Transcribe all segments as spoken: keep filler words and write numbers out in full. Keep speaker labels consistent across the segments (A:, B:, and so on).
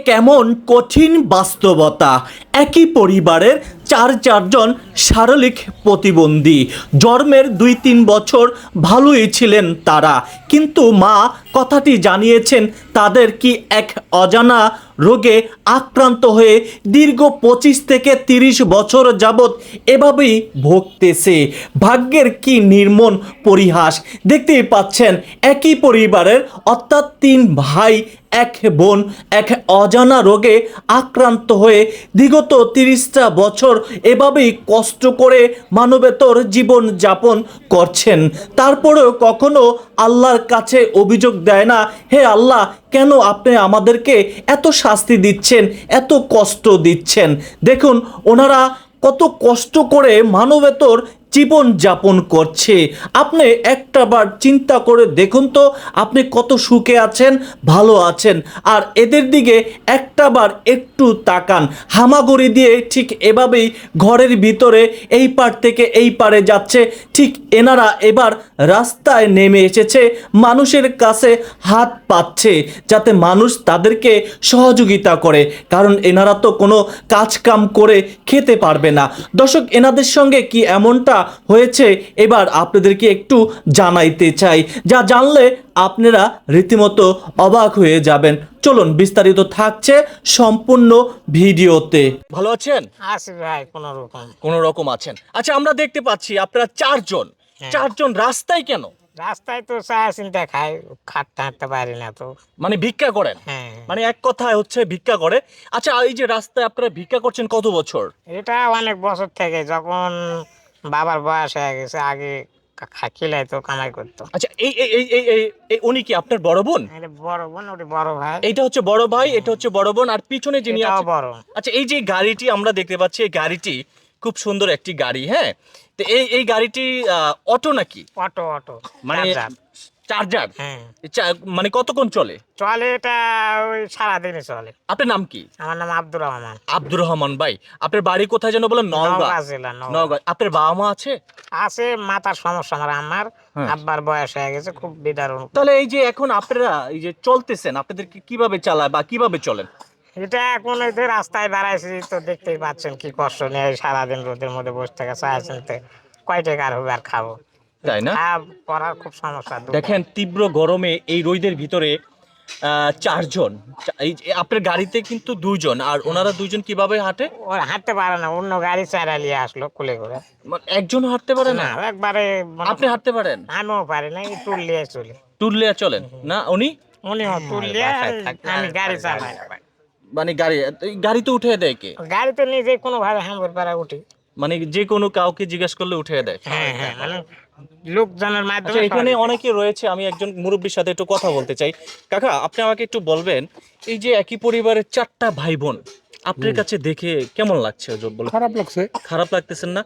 A: কেমন কঠিন বাস্তবতা। একই পরিবারের চার চারজন শারীরিক প্রতিবন্ধী। জন্মের দুই তিন বছর ভালোই ছিলেন তারা, কিন্তু মা কথাটি জানিয়েছেন তাদের কি এক অজানা রোগে আক্রান্ত হয়ে দীর্ঘ পঁচিশ থেকে তিরিশ বছর যাবৎ এভাবেই ভুগতেছে। ভাগ্যের কি নির্মম পরিহাস। দেখতেই পাচ্ছেন একই পরিবারের অর্থাৎ তিন ভাই এক বোন এক অজানা রোগে আক্রান্ত হয়ে বিগত তিরিশটা বছর এভাবেই কষ্ট করে মানবেতর জীবন যাপন করছেন। তারপরেও কখনো আল্লাহর কাছে অভিযোগ দেয় না, হে আল্লাহ কেন আপনি আমাদেরকে এত শাস্তি দিচ্ছেন, এত কষ্ট দিচ্ছেন। দেখুন ওনারা কত কষ্ট করে মানবেতর জীবন যাপন করছে। আপনি একটাবার চিন্তা করে দেখুন তো, আপনি কত সুখে আছেন, ভালো আছেন, আর এদের দিকে একটাবার একটু তাকান। হামাগুড়ি দিয়ে ঠিক এভাবেই ঘরের ভিতরে এই পার থেকে এই পারে যাচ্ছে। ঠিক এনারা এবার রাস্তায় নেমে এসেছে, মানুষের কাছে হাত পাচ্ছে যাতে মানুষ তাদেরকে সহযোগিতা করে, কারণ এনারা তো কোনো কাজ কাম করে খেতে পারবে না। দর্শক, এনাদের সঙ্গে কি এমনটা হয়েছে এবার আপনাদেরকে একটু জানাইতে চাই, যা জানলে আপনারা রীতিমতো অবাক হয়ে যাবেন। চলুন, বিস্তারিত থাকছে সম্পূর্ণ ভিডিওতে। ভালো আছেন?
B: আছি ভাই, কোন রকম
A: কোন রকম আছেন। আচ্ছা, আমরা দেখতে পাচ্ছি আপনারা চারজন চারজন রাস্তায় কেন?
B: রাস্তায় তো চা চিন্তা খাই, খাটতে হাঁটতে পারি না তো,
A: মানে ভিক্ষা করেন?
B: হ্যাঁ।
A: মানে এক কথায় হচ্ছে ভিক্ষা করে। আচ্ছা, এই যে রাস্তায় আপনারা ভিক্ষা করছেন কত বছর?
B: এটা অনেক বছর থেকে, যখন বাবার বয়স হয়ে গেছে, আগে খিলাই তো কামাই করতো।
A: আচ্ছা, এই এই এই এই এই- এই উনি কি আপনার বড় বোন?
B: এটা বড় বোন, ওটি বড় ভাই।
A: এইটা হচ্ছে বড় ভাই, এটা হচ্ছে বড় বোন, আর পিছনে যিনি
B: এটাও
A: আছেন।
B: বড়।
A: আচ্ছা, এই যে গাড়িটি আমরা দেখতে পাচ্ছি, এই গাড়িটি খুব সুন্দর একটি গাড়ি। হ্যাঁ, তো এই এই গাড়িটি আহ, অটো নাকি?
B: অটো অটো
A: মানে
B: চার্জার।
A: চার্জার?
B: হ্যাঁ,
A: চা- মানে কতক্ষণ চলে?
B: চলে এটা ওই সারাদিনই চলে।
A: আপনার নাম কি?
B: আমার নাম আব্দুর রহমান।
A: আব্দুর রহমান ভাই। আপনার বাড়ি কোথায় যেন বলেন? নওগাঁ।
B: নওগাঁ জেলা, নওগাঁ।
A: নওগাঁ। আপনার বাবা মা আছে?
B: আছে, মাথার সমস্যা আমার আমার
A: হ্যাঁ।
B: আব্বার বয়স হয়ে গেছে, খুব বিদারুণ।
A: তাহলে এই যে এখন আপনারা এই যে চলতেছেন, আপনাদেরকে কিভাবে চালায় বা কিভাবে চলেন?
B: এটা এখন এই যে রাস্তায় দাঁড়াইছি তো দেখতেই পাচ্ছেন কি কষ্ট নিয়ে সারাদিন রোদের মধ্যে বসে থেকে চা চিনতে কয় টাকা আর হবে আর খাবো,
A: তাই না?
B: খাওয়া পড়ার খুব সমস্যা।
A: দেখেন তীব্র গরমে এই রোদের ভিতরে আহ, চারজন, চা- এই যে আপনার গাড়িতে কিন্তু দুইজন, আর ওনারা দুইজন কিভাবে হাঁটে?
B: ও হাঁটতে পারে না, অন্য গাড়ি চালিয়ে আসলো কুলে করে।
A: মানে একজন হাঁটতে পারে না?
B: না, একবারে মনে-
A: আপনি হাঁটতে পারেন?
B: আমিও পারি না, এই টুল নিয়ে চলি।
A: টুল লিয়ে চলেন না উনি?
B: উনিও টুল নিয়ে, আমি গাড়ি চালাই।
A: মানে গাড়ি, এই গাড়িতে উঠে দেয় কে?
B: গাড়িতে নিজে কোনো ভাবে হামর পাড়া উঠি।
A: মানে যে কোনো কাউকে জিজ্ঞেস করলে উঠে দেয়?
B: হ্যাঁ হ্যাঁ, মানে লোকজনের
A: আচ্ছা,
B: মাধ্যমে।
A: এখানে অনেকে রয়েছে, আমি একজন মুরব্বীর সাথে একটু কথা বলতে চাই। কাকা, আপনি আমাকে একটু বলবেন, এই যে একই পরিবারের চারটা ভাই বোন, আপনার কাছে দেখে কেমন লাগছে? বলে
C: খারাপ লাগছে।
A: খারাপ লাগতেছেন না?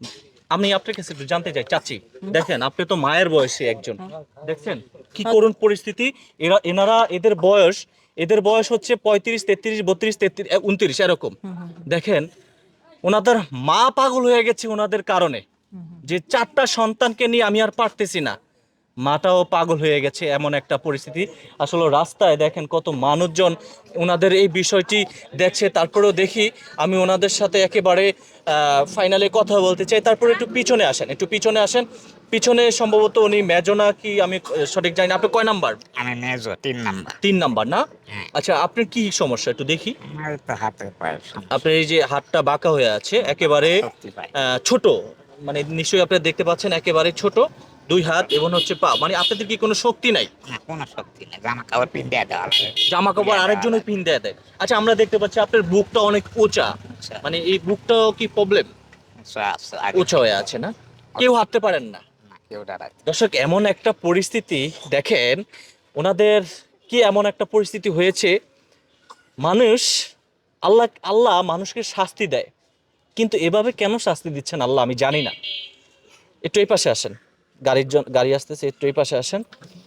A: আমি আপনার কাছে একটু জানতে চাই, চাচি দেখেন আপনি তো মায়ের বয়সে একজন, দেখছেন কি করুণ পরিস্থিতি। এরা এনারা এদের বয়স এদের বয়স হচ্ছে পঁয়ত্রিশ তেত্রিশ বত্রিশ তেত্রিশ উনত্রিশ এরকম। দেখেন ওনাদের মা পাগল হয়ে গেছে ওনাদের কারণে, যে চারটা সন্তানকে নিয়ে আমি আর পারতেছি না। মাটাও পাগল হয়ে গেছে, এমন একটা পরিস্থিতি। আসলে রাস্তায় দেখেন কত মানুষজন ওনাদের এই বিষয়টি দেখছে। তারপরেও দেখি আমি ওনাদের সাথে একেবারে ফাইনালে কথা বলতে চাই। তারপরে একটু পিছনে আসেন, একটু পিছনে আসেন। পিছনে সম্ভবত উনি মেজনা কি, আমি সঠিক জানি না। আপনি কয় নাম্বার?
B: আমি মেজো, তিন নাম্বার।
A: তিন নাম্বার না? আচ্ছা, আপনার কি সমস্যা একটু দেখি।
B: আমার তো হাতে পায়ে সমস্যা।
A: আপনার এই যে হাতটা বাঁকা হয়ে আছে একেবারে,
B: শক্তি পাই।
A: আহ, ছোট, মানে নিশ্চয়ই আপনারা দেখতে পাচ্ছেন একেবারে ছোট দুই হাত এবং হচ্ছে পা। মানে আপনাদের কি কোনো শক্তি নাই?
B: না, কোনো শক্তি নেই, জামা কাপড় পিন্ডে দেওয়া লাগে।
A: জামা কাপড় আরেকজনের পিন দেয়া দেয়? আচ্ছা, আমরা দেখতে পাচ্ছি আপনার বুকটা অনেক উঁচা,
B: আচ্ছা।
A: মানে এই বুকটাও কি প্রবলেম?
B: আচ্ছা, আচ্ছা, আগে
A: উঁচা হয়ে আছে না? কেউ হাঁটতে পারেন না?
B: না, কেউ দাঁড়ায়।
A: দর্শক, এমন একটা পরিস্থিতি দেখেন ওনাদের, কি এমন একটা পরিস্থিতি হয়েছে। মানুষ, আল্লাহ আল্লাহ মানুষকে শাস্তি দেয়, কিন্তু এভাবে কেন শাস্তি দিচ্ছেন আল্লাহ আমি জানি না। একটু এই পাশে আসেন, গাড়ির জন গাড়ি আসতেছে, একটু এই পাশে আসেন।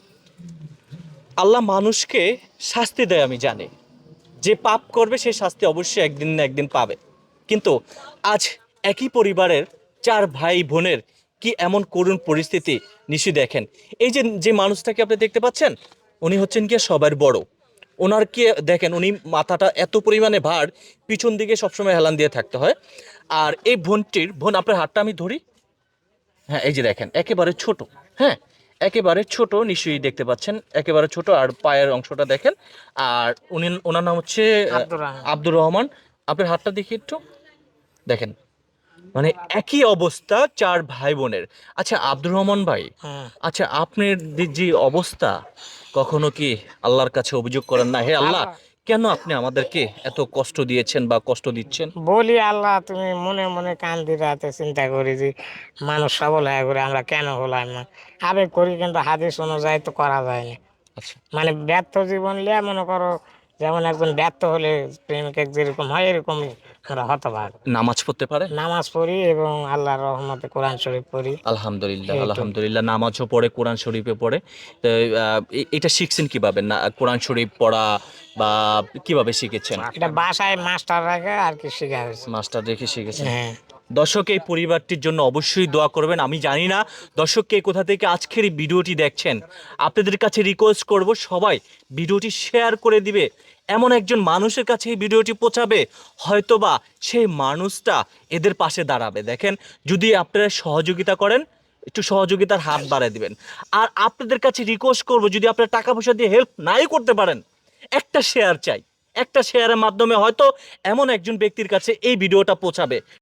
A: আল্লাহ মানুষকে শাস্তি দেয় আমি জানি, যে পাপ করবে সে শাস্তি অবশ্যই একদিন না একদিন পাবে। কিন্তু আজ একই পরিবারের চার ভাই বোনের কি এমন করুণ পরিস্থিতি নিশ্চয়ই দেখেন। এই যে যে মানুষটাকে আপনি দেখতে পাচ্ছেন, উনি হচ্ছেন কি সবার বড়।
C: ওনার কি দেখেন, উনি মাথাটা এত পরিমাণে ভার, পিছন দিকে সবসময় হেলান দিয়ে থাকতে হয়। আর এই বোনটির, বোন আপনার হাতটা আমি ধরি, হ্যাঁ এই যে দেখেন একেবারে ছোট, হ্যাঁ একেবারে ছোট, নিশ্চয়ই দেখতে পাচ্ছেন একেবারে ছোট। আর পায়ের অংশটা দেখেন। আর উনি, ওনার নাম হচ্ছে আহ,
B: আব্দুর রহমান।
C: আব্দুর রহমান। আপনার হাতটা দেখি একটু দেখেন, মানে একই অবস্থা চার ভাই বোনের। আচ্ছা আব্দুর রহমান ভাই,
B: হুম।
C: আচ্ছা আপনার যে যে অবস্থা, কখনো কি আল্লাহর কাছে অভিযোগ করেন না, হে আল্লাহ
B: আল্লাহ,
C: কেন আপনি আমাদেরকে এত কষ্ট দিয়েছেন বা কষ্ট দিচ্ছেন?
B: বলি আল্লাহ, তুমি মনে মনে কান্দি রাতে চিন্তা করি যে মানুষ সবল হয়ে করে আমরা কেন হলাম না। আবেগ করি কিন্তু হাদিস অনুযায়ী তো করা যায় না।
C: আচ্ছা,
B: মানে ব্যর্থ জীবন লিয়ে মনে করো, যেমন একজন ব্যর্থ হলে প্রেমিক যেরকম হয় এরকমই আমরা হতভাগ।
C: নামাজ পড়তে পারে?
B: নামাজ পড়ি এবং আল্লাহর রহমতে কোরআন শরীফ পড়ি,
C: আলহামদুলিল্লাহ,
B: এইটুকু।
C: আলহামদুলিল্লাহ, নামাজও পড়ে, কোরআন শরীফে পড়ে। তো আহ, এ- এটা শিখছেন কিভাবে, না কোরআন শরীফ পড়া বা কিভাবে শিখেছেন?
B: এটা বাসায় মাস্টার রাখে আর কি শেখা হয়েছে।
C: মাস্টার রেখে শিখেছেন।
B: হ্যাঁ।
C: দর্শক এই পরিবারটির জন্য অবশ্যই দোয়া করবেন। আমি জানি না দর্শক কে কোথা থেকে আজকের এই ভিডিওটি দেখছেন, আপনাদের কাছে রিকোয়েস্ট করব সবাই ভিডিওটি শেয়ার করে দিবে, এমন একজন মানুষের কাছে এই ভিডিওটি পৌঁছাবে, হয়তোবা সেই মানুষটা এদের পাশে দাঁড়াবে। দেখেন, যদি আপনারা সহযোগিতা করেন, একটু সহযোগিতার হাত বাড়ায় দিবেন। আর আপনাদের কাছে রিকোয়েস্ট করব, যদি আপনারা টাকা পয়সা দিয়ে হেল্প নাই করতে পারেন, একটা শেয়ার চাই। একটা শেয়ারের মাধ্যমে হয়তো এমন একজন ব্যক্তির কাছে এই ভিডিওটা পৌঁছাবে।